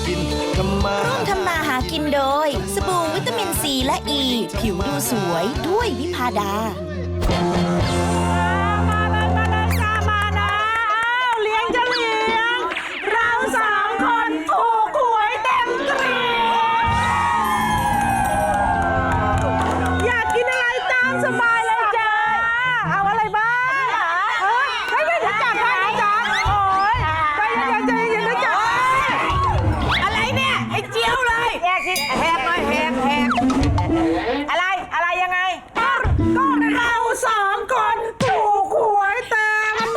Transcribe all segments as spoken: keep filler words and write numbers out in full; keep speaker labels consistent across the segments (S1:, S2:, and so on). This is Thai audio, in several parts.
S1: กินทำมา
S2: ร่วมทำมาหากินโดยสบู่วิตามินซีและอ e, ีผิวดูสวยด้วยวิพาดา
S3: มาเลยมาเลยจ้ามานะอ้าวเลี้ยงจะเลี้ยงเราสามคนถูกหวยเต็มกรีอยากกินอะไรตามสบายเลยจ้าเอาอะไรบ้างเฮ้ยเฮ้ยไม่รู้จักไม่รู้จักโอ้ยใจเย็นใจเย็นนะจ๊ะอะไรเนี่ยไอ้เจียวเลยแหกแหกหน่อยแหกแหกอะไรอะไรยังไงก็เราสองคนถูกหวยเต็ม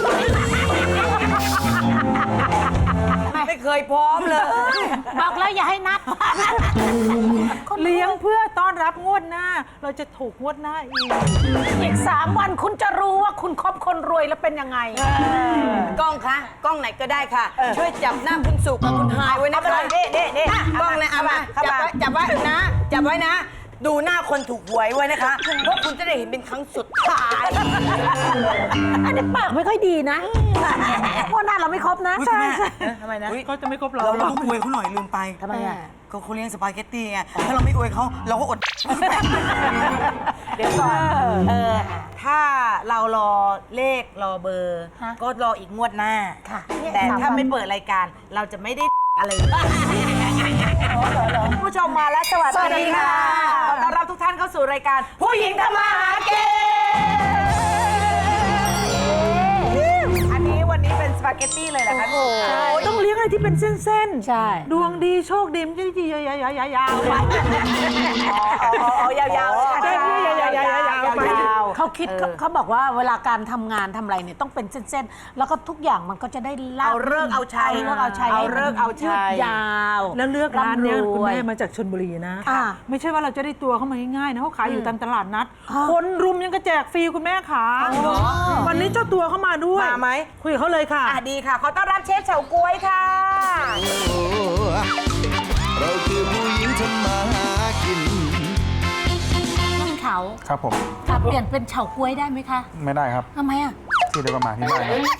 S3: ไม่เคยพร้อมเลยบอกแล้วอย่าให้นับเลี้ยงเพื่อต้อนรับงวดหน้าเราจะถูกงวดหน้าอีกอีกสามวันคุณจะรู้ว่าคุณคบคนรวยแล้วเป็นยังไง
S4: กล้องคะกล้องไหนก็ได้ค่ะช่วยจับหน้าคุณสุกับคุณหายไว้นะคะเด้เด้เด้กล้องนะเอามาจับไว้จับไว้นะจับไว้นะดูหน้าคนถูกหวยไว้นะคะเพราะคุณจะได้เห็นเป็นครั้งสุดท้าย
S3: อันนี้ปากไม่ค่อยดีนะงวดหน้าเราไม่ครบนะใช่ใช่ทำไมนะก็จะไม่ครบเรา
S4: เราต้องอวยเขาหน่อยลืมไป
S3: ทำไมอ่ะ
S4: ก็เขาเลี้ยงสปาเกตตี้ไงถ้าเราไม่อวยเขาเราก็อดเดี๋ยวก่อนเออถ้าเรารอเลขรอเบอร์ก็รออีกงวดหน้าแต่ถ้าไม่เปิดรายการเราจะไม่ได้อะไรผู้ชมมาแล้วสวัสดีค่ะขอต้อนรับทุกท่านเข้าสู่รายการผู้หญิงทำมาหากินอันนี้วันนี้เป็นสปาเกตตี้เลยเหรอคะ
S3: ใช่ต้องเลี้ยงอะไรที่เป็นเส้นๆใช่ดวงดีโชคดีมันจะดียาวๆยาวๆไปอ๋อยาวๆใช่ยาวๆยาวๆไปเขาคิดเขาบอกว่าเวลาการทำงานทำอะไรเนี่ยต้องเป็นเส้นๆแล้วก็ทุกอย่างมันก็จะได้เล่า
S4: เอาเลิกเอาชัย
S3: เอาเลิกเอาชัย
S4: เอาเลิกเอาชัย
S3: ยาวแล้วเลือกร้านเนี้ยคุณแม่มาจากชลบุรีนะไม่ใช่ว่าเราจะได้ตัวเข้ามาง่ายๆนะเขาขายอยู่ตามตลาดนัดคนรุมยังกระแจกฟรีคุณแม่ขาวันนี้เจ้าตัวเข้ามาด้วยมาไหมคุยกับเขาเลยค่ะ
S4: ดีค่ะขอต้อนรับเชฟเฉาก๊วยค่ะ
S1: เราคือผู้หญิงทำมาหากิน
S5: น้องเขา
S6: ครับผม
S5: ค่ะเปลี่ยนเป็นเฉาก๊วยได้ไหมคะ
S6: ไม่ได้ครับ
S5: ทำไมอ่ะ
S6: ชื่อเดียวกับหมาที่บ้าน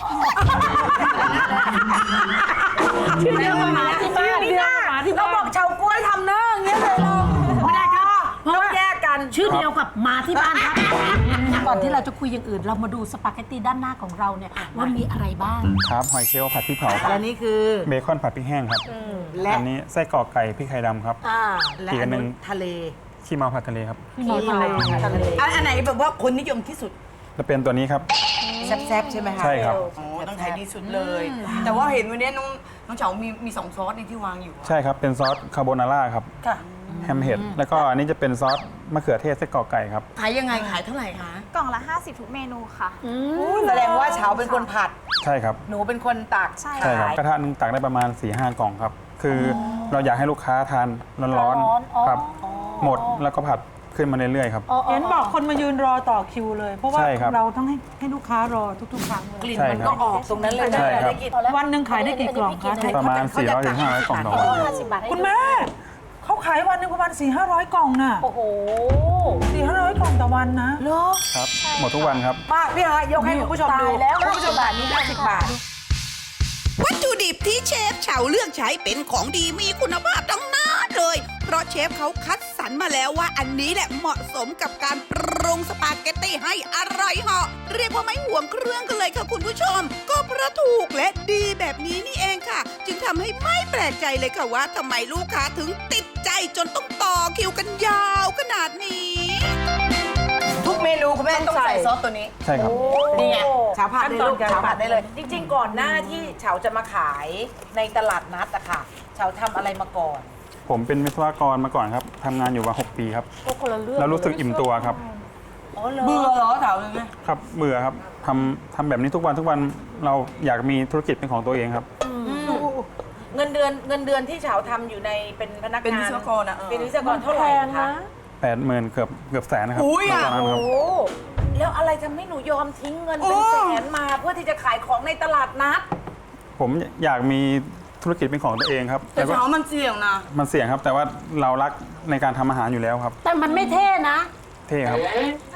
S3: ชื่อเดียวกับหมาที่บ้าน
S4: เราบอกเฉาก๊วยทำเนื้ออย่างเงี้ยเลยเราไม่ได้ครับต้องแยกกัน
S5: ชื่อเดียวกับหมาที่บ้านครับก่อนที่เราจะคุยอย่างอื่นเรามาดูสปาเกตตี้ด้านหน้าของเราเนี่ยว่ามีอะไรบ้าง
S6: ครับหอยเชลล์ผัดพริกเผาครับ
S4: และนี่คือ
S6: เบคอนผัดพริกแห้งครับและอันนี้ไส้กรอกไก่พริกไข่ดำครับ
S4: และอันนึงทะเล
S6: ขี้เมาผัดทะเลครับ
S4: ขี้เมาทะเลอันไหนแบบว่าคนนิยมที่สุด
S6: จะเป็นตัวนี้ครับ
S4: แซ่บๆใช่ไหมคะ
S6: ใช่ครับ
S4: โอ้ต้องขายดีสุดเลยแต่ว่าเห็นวันนี้น้องน้องเฉามีมีสองซอสในที่วางอยู่
S6: ใช่ครับเป็นซอสคาโบนาร่าครับแฮมเห็ดแล้วก็อันนี้จะเป็นซอสมะเขือเทศไส้กรอกไก่ครับ
S4: ขายยังไงขายเท่าไหร่คะ
S7: กล่องละห้าสิบทุกเมนูค่ะ
S4: แสดงว่าเฉาเป็นคนผัด
S6: ใช่ครับ
S4: หนูเป็นคนตัก
S7: ใช่
S6: ครับกระทะนึงตักได้ประมาณ สี่ห้า กล่องครับคือเราอยากให้ลูกค้าทานร้อนๆครับหมดแล้วก็ผัดขึ้นมาเรื่อยๆครับ
S3: เห็นบอกคนมายืนรอต่อคิวเลยเพราะว่าเราต้องให้ให้ลูกค้ารอทุกๆครั้ง
S4: กลิ่นมันก็ออกตรงนั้นเลยนะได้กิน
S3: วันหนึ่งขายได้กี่กล่องคะ
S6: ประมาณ สี่ร้อยถึงห้าร้อย กล่องต่อวัน
S3: คุณแม่เขาขายวันหนึ่งประมาณ สี่ห้าร้อย กล่องน่ะ
S5: โอ้โห
S3: สี่ห้าร้อย กล่องต่อวันนะ
S4: เหรอ
S6: ครับหมดทุกวันครับ
S4: มากพี่ฮะยกให้คุณผู้ชมดูแล้วคุณผู้ชมบาทนี้ได้สิบบาท
S2: วัตถุดิบที่เชฟเฉาเลือกใช้เป็นของดีมีคุณภาพทั้งนั้นเลยเพราะเชฟเขาคัดสรรมาแล้วว่าอันนี้แหละเหมาะสมกับการปรุงสปาเกตตี้ให้อร่อยเหาะเรียกว่าไม่ห่วงเครื่องกันเลยค่ะคุณผู้ชมก็เพราะถูกและดีแบบนี้นี่เองค่ะจึงทำให้ไม่แปลกใจเลยค่ะว่าทำไมลูกค้าถึงติดใจจนต้องต่อคิวกันยาวขนาดนี้
S4: ทุกเมนูคุณแม่ต้องใส่ซอสตัวนี้
S6: ใช่ครับ
S4: นี่ไงเฉาผัดได้ลูกเฉาผัดได้เลยจริงๆก่อนหน้าที่เฉาจะมาขายในตลาดนัดอะค่ะเฉาทำอะไรมาก่อน
S6: ผมเป็นวิศวกรมาก่อนครับทำงานอยู่มาหกปีครับแล้วรู้สึกอิ่มตัวครับ
S4: เบื่อเหรอเฉาเลยไหม
S6: ครับเบื่อครับทำทำแบบนี้ทุกวันทุกวันเราอยากมีธุรกิจเป็นของตัวเองครับ
S4: เงินเดือนเงินเดือนที่เฉาทำอยู่ในเป็นพนักงานเป็นวิศวกรอะเป็นวิศวกรเท่าไหร่คะ
S6: แปดหมื่นเกือบเกือบแสนนะครับ
S4: อุ้ยอ่ะโอ้แล้วอะไรทำให้หนูยอมทิ้งเงินเป็นแสนมาเพื่อที่จะขายของในตลาดนัด
S6: ผมอยากมีธุรกิจเป็นของตัวเองครับ
S4: แต่เฉามันเสี่ยงนะ
S6: มันเสี่ยงครับแต่ว่าเรารักในการทำอาหารอยู่แล้วครับ
S5: แต่มันไม่เท่นะ
S6: เท่ครับ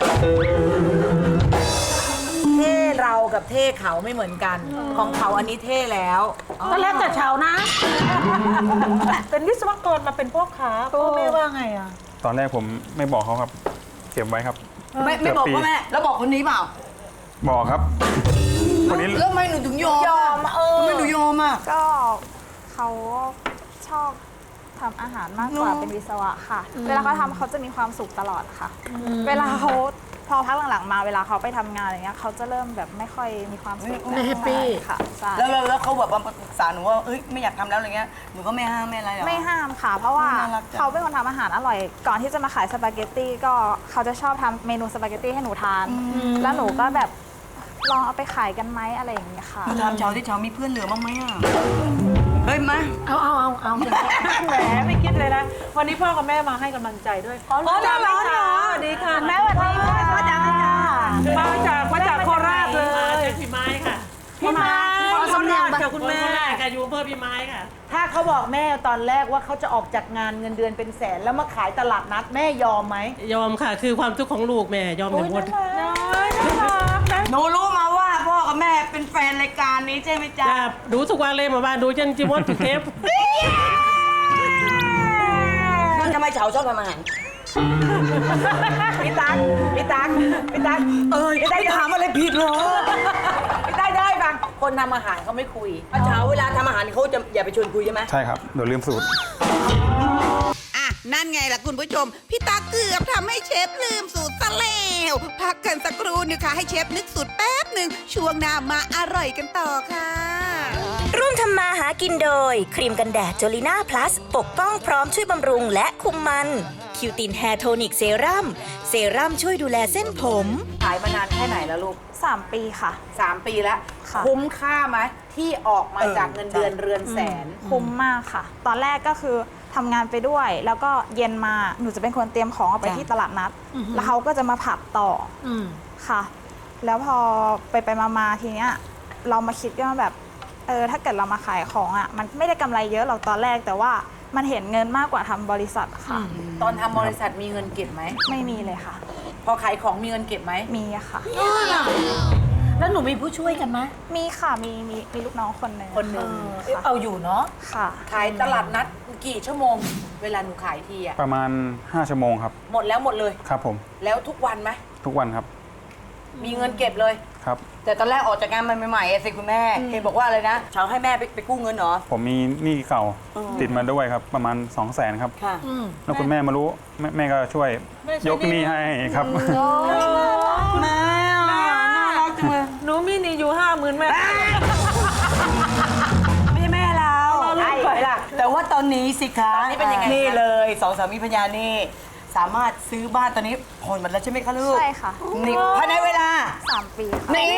S4: เท่เรากับเท่เขาไม่เหมือนกันของเขาอันนี้เท่แล้ว
S5: ก็แล้วแต่เฉานะ
S3: เป็นวิศวกรมาเป็นพ่อค้าพ่อแม่ว่าไงอ่ะ
S6: ตอนแรกผมไม่บอกเขาครับ เก็บไว้ครับ
S4: ไม่ไม่บอกพ่อแม่แล้วบอกคนนี้เปล่า
S6: บอกครับคนนี้
S4: แล้วทำไมหนูถึงยอมยอมเออทำไมหนูยอมอ่ะ
S7: ก็เขาชอบทำอาหารมากกว่าเป็นวิศวะค่ะ เวลาเขาทำเขาจะมีความสุขตลอดค่ะ เวลาเขาพอพักหลังๆมาเวลาเขาไปทำงานอะไรเงี้ยเขาจะเริ่มแบบไม่ค่อยมีความสุข
S5: ไม่แฮปปี้
S7: ค่ะใช่
S4: แล้วแล้วแล้วเขาแบบว่าปรึกษาหนูว่าเอ้ยไม่อยากทำแล้วอะไรเงี้ยหนูก็ไม่ห้ามไม่อะไรหรอ
S7: ไม่ห้ามค่ะ เพราะว่า
S4: น่ารักจัง
S7: เขาเป็นคนทำอาหารอร่อย ก่อนที่จะมาขายสปาเกตตี้ก็เขาจะชอบทำเมนูสปาเกตตี้ให้หนูทาน แล้วหนูก็แบบลองเอาไปขายกันไหมอะไรอย่างเงี้ยค่ะ
S4: มาถามเช้าที่เช้ามีเพื่อนเหลือบ้างไหมอ่ะเฮ้ยมา
S5: เอาเอาเอาเอา
S3: แหมไม่คิดเลยนะ วันนี้พ่อกับแม่มาให้กำลังใจด้วยอ๋อร้อนเหรอสวัสดีค่ะแม่สวัสดีค่ะมาจากมาจากมาจากโคราชเลย
S8: พี่ไม้ค่ะ
S3: พี่ไม้
S5: ขอสำเนียง
S3: ค่ะคุณแม่
S8: ค่ะอยู่อำเภอพี่ไม้ค่ะ
S3: ถ้าเขาบอกแม่ตอนแรกว่าเขาจะออกจากงานเงินเดือนเป็นแสนแล้วมาขายตลาดนัดแม่ยอมไหม
S8: ยอมค่ะ คือความทุกข์ของลูกแม่ยอมอย่างหมด
S4: หนูรู้มาว่าพ่อกับแม่เป็นแฟนรายการนี้ใช่ไหมจ๊ะ
S8: จ้าดูทุกวันเลยมาบ้านดูจนจิมดทุกเทป
S4: มันทำไมเฉาชอบทำอาหาร
S3: พี่ตั๊กพี่ตั๊กพี่ตั๊ก
S4: เอ้ยได้ถามอะไรผิดเหรอ
S3: พี่ตั๊กได้ฟังคนทำอาหารเขาไม่คุย
S4: เช้าเวลาทำอาหารเขาจะอย่าไปชวนคุยใช่ไหม
S6: ใช่ครับเดี๋ยวลืมสูตร
S2: อ่ะ นั่นไงล่ะคุณผู้ชม พี่ตาเกือบทำให้เชฟลืมสูตรซะแล้วพักกันสักครู่นึงค่ะให้เชฟนึกสูตรแป๊บหนึ่งช่วงหน้ามาอร่อยกันต่อค่ะ
S9: ร่วมทำมาหากินโดย ครีมกันแดดจลิน่าพลัสปกป้องพร้อมช่วยบำรุงและคุมมันคิวตินแฮร์โทนิกเซรั่มเซรั่มช่วยดูแลเส้นผม
S4: ขายมานานแค่ไหนแล้วลูก
S7: สามปีค่ะ
S4: สามปีแล้ว
S7: ค่ะ
S4: คุ้มค่าไหมที่ออกมาจากเงินเดือนเรือนแสน
S7: คุ้มมากค่ะ ตอนแรกก็คือทำงานไปด้วย แล้วก็เย็นมาหนูจะเป็นคนเตรียมของเอาไป
S4: จ้ะ
S7: ที่ตลาดนัด แล้วเขาก็จะมาผัดต่อ
S5: อืม
S7: ค่ะ แล้วพอไปไปมามาทีเนี้ยเรามาคิดกันว่าแบบเออถ้าเกิดเรามาขายของอ่ะมันไม่ได้กำไรเยอะหรอกตอนแรกแต่ว่ามันเห็นเงินมากกว่าทำบริษัทค่ะ
S4: ตอนทำบริษัทมีเงินเก็บไหม
S7: ไม่มีเลยค่ะ
S4: พอขายของมีเงินเก็บไหม
S7: มีอะค่ะ
S5: แล้วหนูมีผู้ช่วยกันไหม
S7: มีค่ะมีมีมีลูกน้องคนหนึ่ง
S4: คนหนึ่ง
S7: ค่ะ
S5: เอาอยู่เนาะ
S7: ค่ะ
S4: ขายตลาดนัดกี่ชั่วโมง เวลาหนูขายทีอะ
S6: ประมาณ ห้า ชั่วโมงครับ
S4: หมดแล้วหมดเลย
S6: ครับผม
S4: แล้วทุกวันไหม
S6: ทุกวันครับ
S4: มีเงินเก็บเลย
S6: ครับ
S4: แต่ตอนแรกออกจากงานใหม่ๆอะสิคุณแม่เห็นบอกว่าอะไรนะเช้าให้แม่ไปไปกู้เงินเหรอ
S6: ผมมีหนี้เก่าติดมาด้วยครับ ประมาณ สองแสนครับ
S4: ค่ะ
S6: แล้วคุณแม่มารู้แม่แม่ก็ช่วยยกหนี้ให้ครับ
S4: แม่น่ารักจังเลย
S3: หนูมีหนี่อยู่ห้าหมื่นแม่
S4: ไม่ใช่แม่เราใช่ไหมล่ะแต่ว่าตอนนี้สิคะนี่เป็นยังไงนี่เลยสองสามีภรรยานี่สามารถซื้อบ้านตอนนี้ผ่อนหมดแล้วใช่ไหมคะลูก
S7: ใช่ค่ะ
S4: นี่ภายในเวลา
S7: สามปีค่ะ
S4: นี่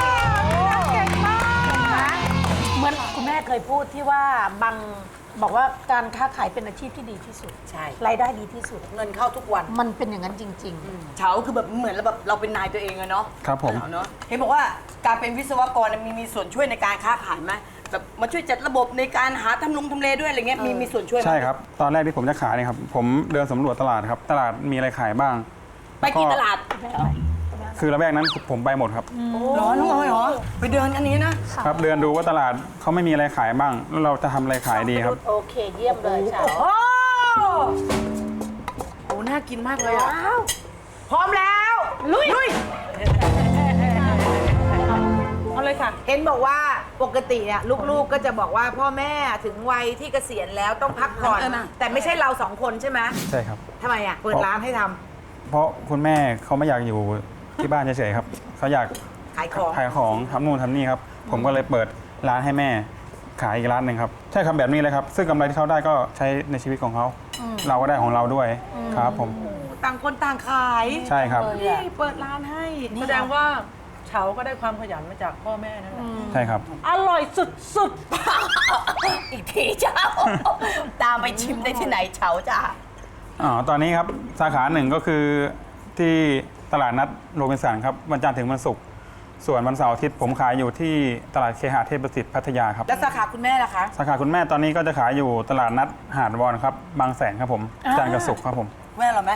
S5: เหมือนคุณแม่เคยพูดที่ว่าบางบอกว่าการค้าขายเป็นอาชีพที่ดีที่สุด
S4: ใช่
S5: รายได้ดีที่สุด
S4: เงินเข้าทุกวัน
S5: มันเป็นอย่างนั้นจริง
S4: เฉาคือแบบเหมือนเราแบบเราเป็นนายตัวเองอะเนาะ
S6: ครับผม
S4: เนาะเห็นบอกว่าการเป็นวิศวกรมีมีส่วนช่วยในการค้าขายไหมแบบมาช่วยจัดระบบในการหาทำลงทำเลด้วยอะไรเงี้ยมีมีส่วนช่วยไหม
S6: ใช่ครับ ตอนแรกที่ผมจะขายเนี่ยครับ ผมเดินสำรวจตลาดครับ ตลาดมีอะไรขายบ้าง
S4: ไปกี่ตลาด
S6: คือระแวกนั้นผมไปหมดครับ
S4: หรอน้องออยเหรอไปเดินอันนี้นะ
S6: ครับ เดินดูว่าตลาดเขาไม่มีอะไรขายบ้าง แล้วเราจะทำอะไรขายดีครับ
S5: ๆ โอเคเยี่ยมเลยเฉา
S4: โอ้โหน่ากินมากเลยอ่ะพร้อมแล้วลุยลุย
S3: เอาเลยค่ะ
S4: เห็นบอกว่าปกติอ่ะลูกๆก็จะบอกว่าพ่อแม่ถึงวัยที่เกษียณแล้วต้องพักผ่อนแต่ไม่ใช่เราสองคนใช่ไหม
S6: ใช่ครับ
S4: ทำไมอ่ะเปิดร้านให้ทำ
S6: เพราะคุณแม่เขาไม่อยากอยู่ที่บ้านเฉยๆครับ เขาอยาก
S4: ขายของ
S6: ขายของทำนู่นทำนี่ครับ ผมก็เลยเปิดร้านให้แม่ขายอีกร้านหนึ่งครับ ใช่ครับแบบนี้เลยครับ ซึ่งกำไรที่เขาได้ก็ใช้ในชีวิตของเขา เราก็ได้ของเราด้วยครับผม
S4: ต่างคนต่างขาย
S6: ใช่ครับ
S4: นี่เปิดร้านให้
S3: แสดงว่าเฉาก็ได้ความขยันมาจากพ่อแม่นั่นแหละ
S6: ใช่ครับ
S3: อร่อยสุด
S4: อีกทีเจ้า ตามไปชิมได้ที่ไหนเฉาจ้า
S6: อ๋อ ตอนนี้ครับสาขาหนึ่งก็คือที่ตลาดนัดโรบินสันครับวันจันทร์ถึงวันศุกร์ส่วนวันเสาร์อาทิตย์ผมขายอยู่ที่ตลาดเคหะเทพประสิทธิ์พัทยาครับ
S4: แล้วสาขาคุณแม่ล่ะคะ
S6: สาขาคุณแม่ตอนนี้ก็จะขายอยู่ตลาดนัดหาดวอนครับบางแสนครับผมจันทร์กับศุกร์ครับผม
S4: แม่เหรอไหม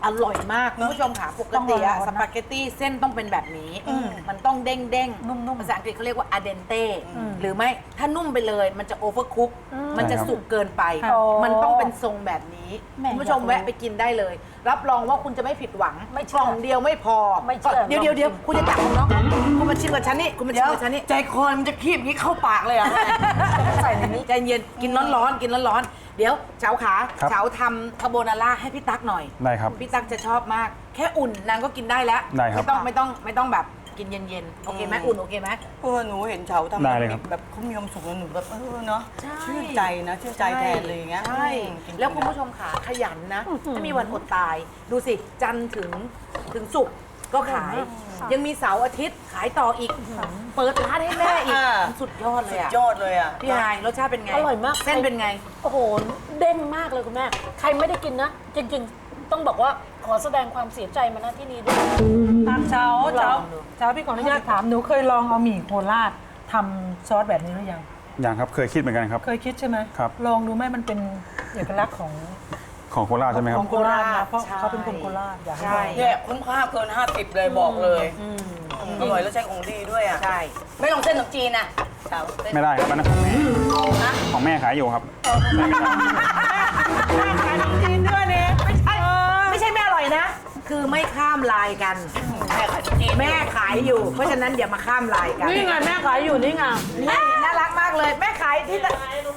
S4: อร่อยมากคุณผู้ชมค่ะปกติอะสปาเกตตี้เส้นต้องเป็นแบบนี้ มันต้องเด้งเด้งๆนุ่มๆภาษาอังกฤษเขาเรียกว่าอะเดนเต้หรือไม่ถ้านุ่มไปเลยมันจะโอเวอร์คุกมันจะสุกเกินไป มันต้องเป็นทรงแบบนี้คุณผู้ชมแวะไปกินได้เลย รับรองว่าคุณจะไม่ผิดหวังไม่กล่องเดียวไม่พอเดี๋ยวเดี๋ยวเดี๋ยวคุณจะจับของน้องคุณมาชิมกับฉันนี่คุณมาชิมกับฉันนี่ใจคอมันจะคีบนี้เข้าปากเลยอะใส่ในนี้ใจเย็นกินร้อนๆกินร้อนๆเดี๋ยวเฉาขาเฉาทำคาโบนาร่าให้พี่ตั๊กหน่อย
S6: ได้ครับ
S4: พี่ตั๊กจะชอบมากแค่อุ่นนางก็กินได้แล้ว
S6: ได้ครับ
S4: ไม่ต้องไม่ต้องไม่ต้องแบบกินเย็นๆโอเคไหมอุ่นโอเคไหม
S10: เออหนูเห็นเฉาทำ
S6: ได้เลยครับ
S10: แบบเขามีความสุขแล้วหนูแบบเออเนาะชื่นใจนะชื่นใจแทนเลยอย่างเงี้ย
S4: ใช่
S10: อืมกิน
S4: แล้วคุณผู้ชมขาขยันนะไม่มีวันอดตาย ดูสิ จันทร์ถึงถึงศุกร์ก็ขาย ยังมีเสาร์อาทิตย์ขายต่ออีก เปิดร้านให้แม่อีก สุดยอดเล
S10: สุ
S4: ย
S10: ด
S4: อะ
S10: ยอดเลยอ่ะ
S4: พี่ฮายรสชาติเป็นไง
S5: อร่อยมาก
S4: เส้นเป็นไง
S5: โอ้โห เด้งมากเลยคุณแม่ ใครไม่ได้กินนะ จริงๆ ต้องบอกว่าขอแสดงความเสียใจมาณที่นี้ด้วย
S3: ตามเช้าเช้าเช้าพี่ขออนุญาตถามหนูเคยลองเอาหมี่โคราชทำซอสแบบนี้หรือยัง
S6: อย่างครับเคยคิดเหมือนกันครับ
S3: เคยคิดใช่ไหม
S6: ครับ
S3: ลองดูไหมมันเป็นเอกลักษณ์ของ
S6: ของโคราชใช่ไหมค
S3: ข
S6: รั
S3: อบ งโคราชนะเพราะ
S4: ใช่
S3: เขาเป็นคนโคราชอยากให้
S4: ใช่
S3: ลอง
S10: เนี่ยคุ้มค่าเกินห้าสิบเลยบอกเลยอร่อยแล้วใช้ของดีด้วยอ่ะ
S4: ใช่
S10: ไม่ลองเส้นขนมจีนอ่ะเฉาเส้น
S6: ไม่ได้ครับอันนั้นของแม่ของแม่ขายอยู่ครับไม่ได้
S4: ขายขนมจีนด้วยเนี่ยไม่ใช่ไม่ใช่ไม่อร่อยนะ คือไม่ข้ามลายกัน
S10: แม่ขายขนมจีน
S4: แม่ขายอยู่ เพราะฉะนั้นอย่ามาข้ามลายกัน
S3: นี่ไงแม่ขายอยู่นี่ไง
S4: นี่น่ารักมากเลย แม่ขายที่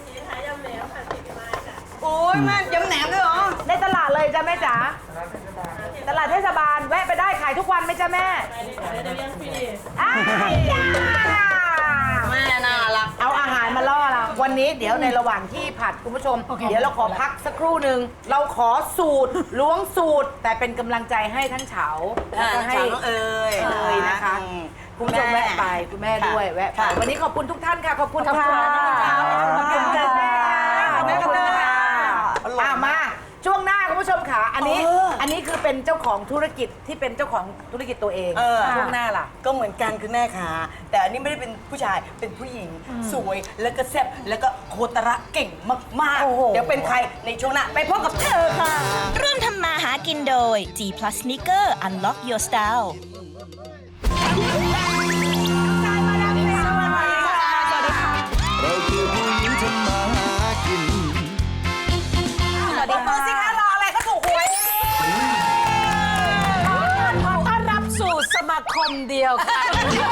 S10: โอ้ยแม่ยำแหนมด้วยเหรอ
S4: ในตลาดเลยจ้ะแม่จ๋าตลาดเทศบาลแวะไปได้ขายทุกวันไหมจ้ะแม่อ้ายจ้า
S10: แม่น่ารัก
S4: เอาอาหารมาล่อเราวันนี้เดี๋ยวในระหว่างที่ผัดคุณผู้ชม เดี๋ยวเราขอพักสักครู่หนึ่งเราขอสูตรล้วงสูตร แต่เป็นกำลังใจให้ทั้งเฉาแล้วก็ให้
S10: เฉาน้องเอ๋ย
S4: เอ๋ยนะคะ
S10: อืม
S4: คุณผู้ชมแวะไปคุณแม่ด้วยแวะไป
S10: ค่ะ
S4: วันนี้ขอบคุณทุกท่านค่ะขอบคุณ
S3: ขอบคุณ
S4: ค่ะ
S3: ค่ะ
S4: ขอบคุณค่ะแม่ค่ะ
S10: ขอบคุณค่ะ
S4: ขอบคุณค่ะ
S10: อร่อย
S4: อ่ะมาช่วงหน้าคุณผู้ชมค่ะอันนี้
S10: เอออั
S4: อันนี้คือเป็นเจ้าของธุรกิจที่เป็นเจ้าของธุรกิจตัวเอง
S10: เออ
S4: ช่วงหน้าล่ะ
S10: ก็เหมือนกันคือแม่ขาแต่อันนี้ไม่ได้เป็นผู้ชายเป็นผู้หญิง สวยแล้วก็แซ่บแล้วก็โคตระเก่งมาก
S4: โอ้โห
S10: ๆ เดี๋ยวเป็นใครในช่วงหน้าไปพบกับเธอค่ะ
S9: ร่วมทำมาหากินโดย G Plus Sneaker Unlock Your Style
S1: เราคือผู้หญิงทำมาหากิน
S4: สวัสดีค่ะสิคะรออะไรเขาถูกหวย
S5: ขอต้อนรับสู่สมาคมเดียวค่ะ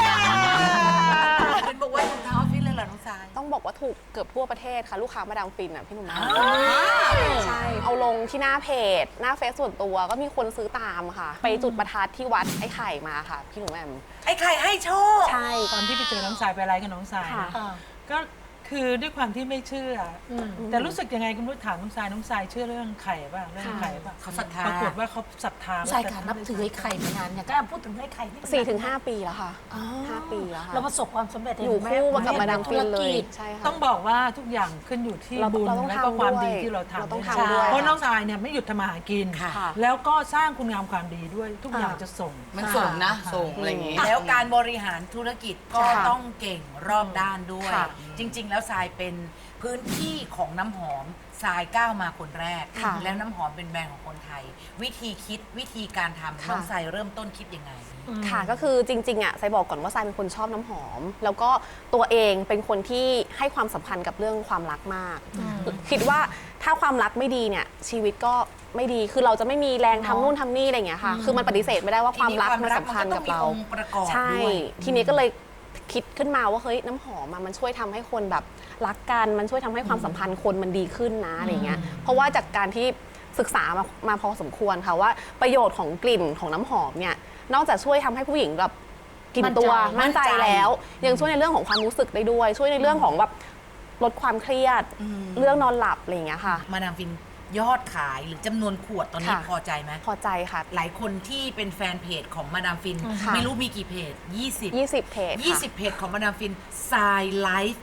S4: เป็นบอกว่าถุงเท้าออฟฟิศเลยเหรอน้องสาย
S11: ต้องบอกว่าถูกเกือบทั่วประเทศค่ะ ลูกค้ามาดามฟินอ่ะพี่หนุ่มใช่ เอาลงที่หน้าเพจ หน้าเฟซส่วนตัวก็มีคนซื้อตามค่ะ ไปจุดประทัดที่วัดไอ้ไข่มาค่ะ พี่หนุ่มแอม
S4: ไอ้ไข่ให้โชค
S11: ใช่
S3: ตอนที่ไปเจอน้องสายไปไลฟ์กับน้องสาย
S11: ค่ะ
S3: นะก็คือด้วยความที่ไม่เชื่ออแต่รู้สึกยังไงคุณรู้ถามน้องสายน้องสายเชื่อเรื่องไข่ป่ะเรื่องไข่ป่ะ
S4: เขาศรัทธา
S3: ปรากฏว่าเขาศรัทธา
S5: ใช่ค่ะนับถือไอ้ไข่มานานเนี่ยก็พูดถึงไอ้ไข่นี่
S11: สี่ถึงห้าปีแล้วค่ะห้าปีแล้วค่ะ
S5: เราประสบความสำเร็จ
S11: อยู่คู่มากับมาดามฟินเลย
S5: ธุรกิจ
S11: ใช่ค่ะ
S3: ต้องบอกว่าทุกอย่างขึ้นอยู่ที่
S11: เรา
S3: บุญ
S11: เราต้อง
S3: และก็
S11: ทำ
S3: ความ
S11: ด้วย
S3: ดีที่เราทำ
S11: เราต้อง
S3: ด้วย
S11: ทำด้วย
S3: เพราะน้องสายเนี่ยไม่หยุดทำมาหากิน
S11: ค่ะ
S3: แล้วก็สร้างคุณงามความดีด้วย ทุกอย่างจะส่ง
S10: มันส่งนะส่งอะไรอย่างงี้
S4: แล้วการบริหารธุรกิจก็
S11: ค่ะ
S4: ต้องเก่งรอบด้านด้วย
S11: ค่ะ
S4: จริง ๆ แล้วทรายเป็นพื้นที่ของน้ำหอมทรายก้าวมาคนแรก
S11: ค่ะ
S4: แล้วน้ำหอมเป็นแบรนด์ของคนไทย วิธีคิดวิธีการทำน้องทรายเริ่มต้นคิดยังไง
S11: ค่ะก็คือจริงๆอ่ะไซบอกก่อนว่าไซเป็นคนชอบน้ำหอม แล้วก็ตัวเองเป็นคนที่ให้ความสำคัญกับเรื่องความรักมาก คิดว่าถ้าความรักไม่ดีเนี่ยชีวิตก็ไม่ดีคือเราจะไม่มีแรงทำนู่นทำนี่อะไรอย่างเงี้ยค่ะคือมันปฏิเสธไม่ได้ว่าความรักมันสำคัญกับเรา
S4: ทีนี้ความรักมันก็ต้องมีองค์ประกอบ
S11: ใช่
S4: ด้วย
S11: ทีนี้ก็เลยคิดขึ้นมาว่าเฮ้ยน้ำหอมอะมันช่วยทำให้คนแบบรักกันมันช่วยทำให้ความสัมพันธ์คนมันดีขึ้นนะอะไรเงี้ยเพราะว่าจากการที่ศึกษามามาพอสมควรค่ะว่าประโยชน์ของกลิ่นของน้ำหอมเนี่ยนอกจากช่วยทำให้ผู้หญิงแบบกลิ่นตัวมั่นใจแล้ว ยังช่วยในเรื่องของความรู้สึกได้ด้วย ช่วยในเรื่องของแบบลดความเครียดเรื่องนอนหลับอะไรอย่างเงี้ยค่ะ
S4: มาดามฟินยอดขายหรือจำนวนขวดตอนนี้
S11: ค่ะ
S4: พอใจไหม
S11: พอใจค่ะ
S4: หลายคนที่เป็นแฟนเพจของมาดามฟิน
S11: ค่ะ
S4: ไม่รู้มีกี่เพจ ยี่สิบ
S11: ยี่สิบเพจค่ะ
S4: ยี่สิบเพจของมาดามฟินทรายไลฟ์ทุก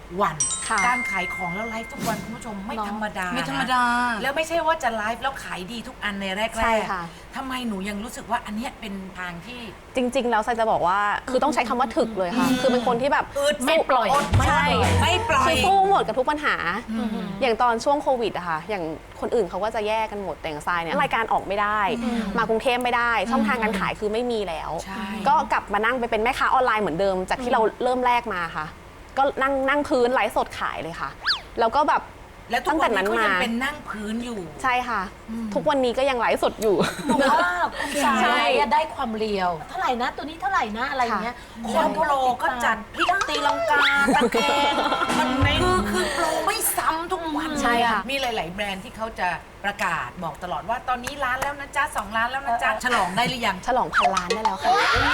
S3: วัน
S11: ค่ะ
S3: การขายของแล้วไลฟ์ทุกวันคุณผู้ชมไม่ธรรมดา
S4: ไม่ธรรมดา
S3: นะแล้วไม่ใช่ว่าจะไลฟ์แล้วขายดีทุกอันในแรกๆ
S11: ใช่ค่ะ
S3: ทำไมหนูยังรู้สึกว่าอันเนี้ยเป็นทางที่
S11: จริง ๆ แล้วไซจะบอกว่าคือต้องใช้คำว่าถึกเลยค่ะ คือเป็นคนที่แบบ
S3: อึด
S11: ไม่ปล่อย
S3: อดไม่
S11: ใช่
S3: ไม่ปล่อย
S11: คือสู้หมดกับทุกปัญหา อย่างตอนช่วงโควิดอะค่ะอย่างคนอื่นเขาก็จะแยกกันหมดแต่อย่างทรายเนี่ยรายการออกไม่ได้ มากรุงเทพไม่ได้ ช่องทางการขายคือไม่มีแล้ว
S3: ใช่
S11: ก็กลับมานั่งไปเป็นแม่ค้าออนไลน์เหมือนเดิม จากที่เราเริ่มแรกมาค่ะ ก็นั่งนั่งพื้นไลฟ์สดขายเลยค่ะ แล้วก็แบบ
S3: และทุก
S11: ตั้ง
S3: วั
S11: แต่
S3: นนี้
S11: นั้น
S3: ก็
S11: มา
S3: ยังเป็นนั่งพื้นอยู่
S11: ใช่ค่ะ ทุกวันนี้ก็ยังไลฟ์สดอยู่
S5: ว่าคุณสายอะได้ความเรียว เท่าไหร่นะ ตัวนี้เท่าไหร่นะอะไรอย่างเงี้ย
S3: คนโปรก็จัดพลิกตีลังกาตะแคงมันคือคือโปรไม่ซ้ำทุกวัน
S11: ใช่ค่ะ
S3: มีหลาย ๆ แบรนด์ที่เขาจะประกาศบอกตลอดว่าตอนนี้ร้านแล้วนะจ๊ะสองร้านแล้วนะจ๊ะฉลองได้หรือยัง
S11: ฉลองพันล้านได้แล้วค่ะ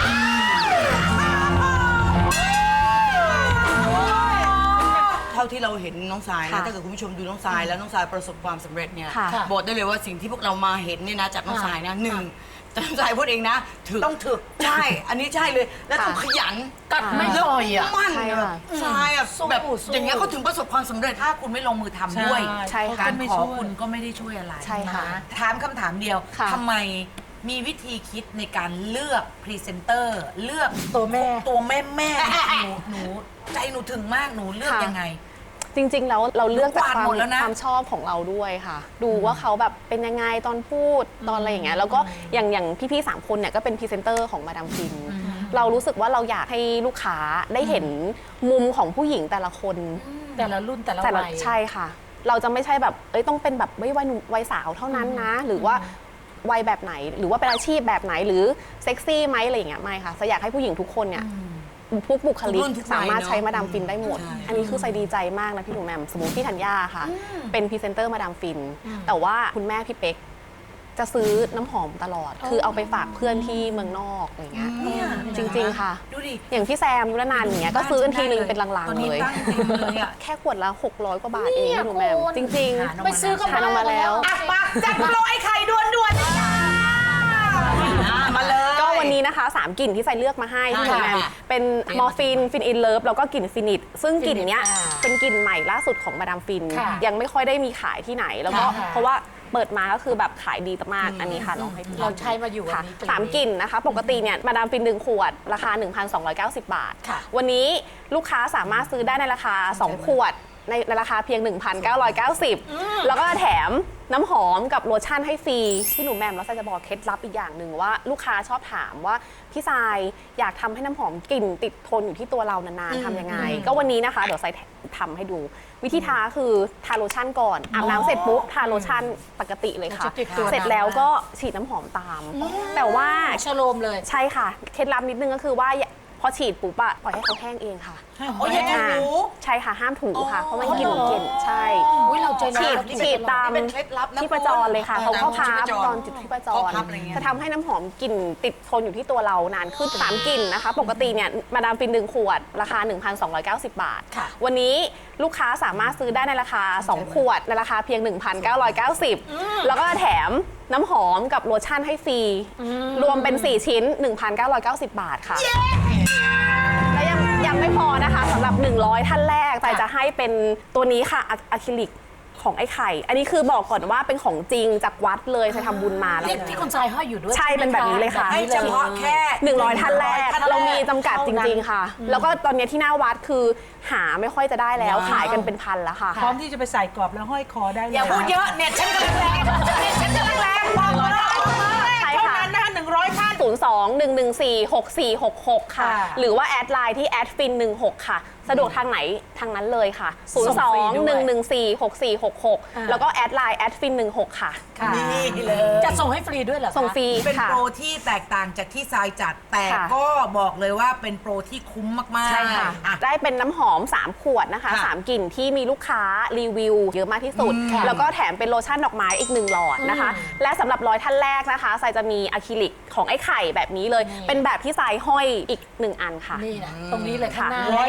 S10: เท่าที่เราเห็นน้องสายนะ
S11: ค่ะ
S10: ถ้าเกิดคุณผู้ชมดูน้องสายแล้วน้องสายประสบความสำเร็จเนี่ย
S11: ค่ะ
S10: บอกได้เลยว่าสิ่งที่พวกเรามาเห็นเนี่ยนะจากน้องสายนะหนึ่งแต่น้องสายพูดเองนะถึก
S3: ต้องถึก
S10: ใช่ อันนี้ใช่เลย แล้วต้องขยัน
S3: กัดไม่ปล่อยอ่ะ
S10: มั่น
S11: ใช่
S10: แบบ
S11: ค่ะ
S10: สายอ่ะ
S3: สู้
S10: แบบ
S3: สู้
S10: อย่างเงี้ยเขาถึงประสบความสำเร็จ
S3: ถ้าคุณไม่ลงมือทำด้วย
S11: ใช่ค่ะ
S3: การขอคุณก็ไม่ได้ช่วยอะไร
S11: ใช่ค่ะ
S3: นถามคำถามเดียว
S11: ค่ะ
S3: ทำไมมีวิธีคิดในการเลือกพรีเซนเตอร์เลือก
S5: ตัวแม่
S3: ตัวแม่แม่หนูหนูใจหนูถึงมากหนูเลือกยังไง
S11: จริง ๆ แล้วเราเลือกจากความ
S3: หมดแล้วนะ
S11: ความชอบของเราด้วยค่ะ ดูว่าเขาแบบเป็นยังไงตอนพูดตอนอะไรอย่างเงี้ยแล้วก็อย่างอย่างพี่ๆสามคนเนี่ยก็เป็นพรีเซนเตอร์ของมาดามฟิน เรารู้สึกว่าเราอยากให้ลูกค้าได้เห็นมุมของผู้หญิงแต่ละคน
S5: แต่ละรุ่นแต่ละ
S11: แต่ละ
S5: วัย
S11: ใช่ค่ะ เราจะไม่ใช่แบบเอ้ยต้องเป็นแบบไม่วัยหนุ่มวัยสาวเท่านั้นนะ หรือว่าวัยแบบไหน หรือว่าเป็นอาชีพแบบไหนหรือเซ็กซี่ไหมอะไรอย่างเงี้ยไม่ค่ะจะอยากให้ผู้หญิงทุกคนเนี่ยทุกบุคลิก
S10: ทุกรุ่นทุกวัย
S11: สามารถใช้
S10: เนอะ
S11: มาดามฟินได้หมด
S10: ใช่
S11: อันนี้คือใส่ดีใจมากนะพี่หนูแหม่มสมมติพี่ธัญญาค่ะ เป็นพรีเซนเตอร์มาดามฟิน แต่ว่าคุณแม่พี่เป๊กจะซื้อน้ำหอมตลอด คือเอาไปฝากเพื่อนที่เมืองนอกอะไรเงี้ย
S3: เนี่ย
S11: จริง ๆ ค่ะ
S3: ดูดิ
S11: อย่างพี่แซมยุรนันท์อย่างเงี้ยก็ซื้อกันทีนึงเป็นลัง
S3: ตอน
S11: ๆ
S3: นี้
S11: เลย
S3: ตั้งเต็มเลยอะ
S11: แค่ขวดละหกร้อยกว่าบาทเองพี่หนูแหม่มจริง
S3: หาน้ำมัน
S5: ไปซื้อก็
S11: ทานออกมาแล้ว
S3: อ่ะมาจัดโปรไอ้ไข่ด่วนด่วนๆเลยจ้ามาเลย
S11: ก็วันนี้นะคะสามกลิ่นที่ใส่เลือกมาให้พี่หนูแหม่ม
S3: ค่ะ
S11: เป็นมอร์ฟินฟินอินเลิฟแล้วก็กลิ่นฟินิตซึ่งกลิ่นเนี้ย
S5: อ่า
S11: เป็นกลิ่นใหม่ล่าสุดของมาดามฟิน
S5: ค่ะ
S11: ยังไม่ค่อยได้มีขายที่ไหน แล้วก็
S5: ค่ะ
S11: เพราะว่าเปิดมาก็คือแบบขายดีมากอันนี้ค่ะลองให้พี่
S5: เราใช้มาอยู่วัน
S11: ค่ะ
S5: นี้
S11: สามกลิ่นนะคะ ปกติเนี่ยมาดามฟินหนึ่งขวด ราคา หนึ่งพันสองร้อยเก้าสิบ บาท
S5: ค่ะ
S11: วันนี้ลูกค้าสามารถซื้อได้ในราคา สอง ขวด ในในราคาเพียง หนึ่งพันเก้าร้อยเก้าสิบ แล้วก็แถมน้ำหอมกับโลชั่นให้ฟรีพี่หนูแหม่มแล้วไซจะบอกเคล็ดลับอีกอย่างหนึ่งว่าลูกค้าชอบถามว่าพี่ทรายอยากทำให้น้ำหอมกลิ่นติดทนอยู่ที่ตัวเรานานๆทำยังไง ก็วันนี้นะคะเดี๋ยวไซทำให้ดู วิธีทาคือทาโลชั่นก่อนอาบน้ำเสร็จปุ๊บทาโลชั่นปกติเลยค่ะ
S5: จะติดตัว
S11: เสร็จแล้วก็ฉีดน้ำหอมตาม แต่ว่า
S5: ชโลมเลย
S11: ใช่ค่ะเคล็ดลับนิดนึงก็คือว่าอย่าพอฉีดปุ๊บอะปล่อยให้เขาแห้งเองค่ะ
S3: โอ้ยอย่าถู
S11: ใช่ค่ะห้ามถูค่ะ เพราะมันกลิ่นกลิ่นใช่
S5: อุ๊ยเราใจร้าย
S11: ฉีด
S5: เรานี่
S11: ฉีดตาม
S10: นี่เป็นเคล็ดลับนะ
S11: ที่ประจรเลยค่ะ
S10: คุณ
S11: เขาเข้าพับ
S10: ตามที่ประจร
S11: ตอนจุดที่ประจ
S10: เข้าร พับอะไรเงี้ย
S11: จะทำให้น้ำหอมกลิ่นติดทนอยู่ที่ตัวเรานานขึ้นสามกลิ่นนะคะ ปกติเนี่ยมาดามฟินหนึ่งขวด ราคา หนึ่งพันสองร้อยเก้าสิบ บาท
S5: ค่ะ
S11: วันนี้ลูกค้าสามารถซื้อได้ในราคา สอง ขวด ในราคาเพียง หนึ่งพันเก้าร้อยเก้าสิบ แล้วก็แถมน้ำหอมกับโลชั่นให้ฟรี รวมเป็น สี่ ชิ้น หนึ่งพันเก้าร้อยเก้าสิบ บาทค่ะ และยังยังไม่พอนะคะสำหรับ หนึ่งร้อย ท่านแรกแต่จะให้เป็นตัวนี้ค่ะอะอะคริลิกของไอ้ไข่ อันนี้คือบอกก่อนว่าเป็นของจริงจากวัดเลยไปทำบุญมาแล้ว
S5: ที่ที่คุณทรายห้อยอยู่ด้วย
S11: ใช่เป็นแบบนี้เลยค่ะ
S3: ให้เฉพาะแค่
S11: หนึ่งร้อยท่านแรก
S3: ท่านแรก
S11: เรามีจำกัดจริง ๆ ค่ะ แล้วก็ตอนนี้ที่หน้าวัดคือหาไม่ค่อยจะได้แล้วขายกันเป็นพันแล้วค่ะ
S12: พร้อมที่จะไปใส่กรอบแล้วห้อยคอได้เลย
S3: อย่าพูดเยอะเนี่ยฉันกำลังแรงเนี่ยฉันกำลังแรงบอกมาเลย
S11: ใช่
S3: เท่า
S11: ค่ะ
S3: นั้นนะคะหนึ่งร้อยท่าน
S11: ศูนย์ สอง หนึ่ง หนึ่ง สี่ หก สี่ หก หก ค่ะ
S12: ค่ะ
S11: หรือว่าแอดไลน์ที่แอดฟินหนึ่งหกค่ะ สะดวกทางไหนทางนั้นเลยค่ะ ศูนย์ สอง หนึ่ง หนึ่ง สี่ หก สี่ หก หก แล้วก็แอดไลน์แอดฟินหนึ่งหกค่ะ
S5: ค่ะ
S3: นี่เลย
S5: จะส่งให้ฟรีด้วยเหรอคะ
S11: ส่งฟรี
S3: เป็น
S11: ค่ะ
S3: โปรที่แตกต่างจากที่ทรายจัด แต่
S11: ค่ะ
S3: ก็บอกเลยว่าเป็นโปรที่คุ้มมากๆ
S11: ใช่ค่ะ
S3: อ่ะ
S11: ได้เป็นน้ำหอม สาม ขวดนะคะ
S3: ค่ะ
S11: สาม กลิ่นที่มีลูกค้ารีวิวเยอะมากที่สุด แล้วก็แถมเป็นโลชั่นดอกไม้อีกหนึ่งหลอดนะคะ และสำหรับร้อยท่านแรกนะคะทรายจะมีอะคริลิกของไอ้ไข่แบบนี้เลย เป็นแบบที่ทรายห้อยอีกหนึ่งอันค่ะ
S5: นี่นะตรงนี้เลยข้างหน้า
S3: ร้อยท่านแรก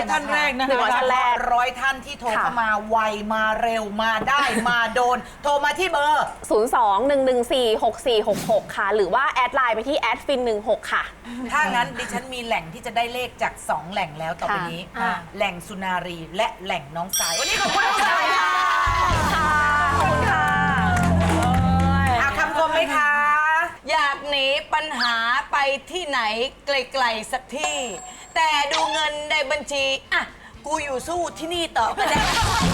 S3: กนะ
S11: หนึ่งร้อยท่านแรก
S4: ร้อยท่านที่โทร
S11: ค่ะ
S4: เข้ามาไวมาเร็วมาได้มาโดน โทรมาที่เบอร์
S11: ศูนย์ สอง หนึ่ง หนึ่ง สี่ หก สี่ หก หก ค่ะ หรือว่าแอดไลน์ไปที่แอดฟินหนึ่งหกค่ะ
S4: ถ้างั้นดิฉันมีแหล่งที่จะได้เลขจากสองแหล่งแล้วต่อไปนี้
S11: ค่ะ
S4: แหล่งสุนารีและแหล่งน้องสายวันนี้ขอบคุณน้องสายค่ะ
S11: ขอบคุณค่ะ
S4: เอาคำคมไหมคะ
S10: อยากหนีปัญหาไปที่ไหนไกลๆสักที่ แต่ดูเงินในบัญชี อ่ะ กูอยู่สู้ที่นี่ต่อก็ได้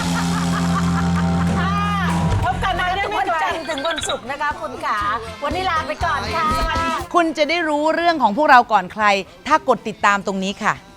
S5: พบกันทุกวันจันทร์ถึงวันศุกร์นะคะคุณขาวันนี้ลาไปก่อนค่ะ
S4: คุณจะได้รู้เรื่องของพวกเราก่อนใคร ถ้ากดติดตามตรงนี้ค่ะ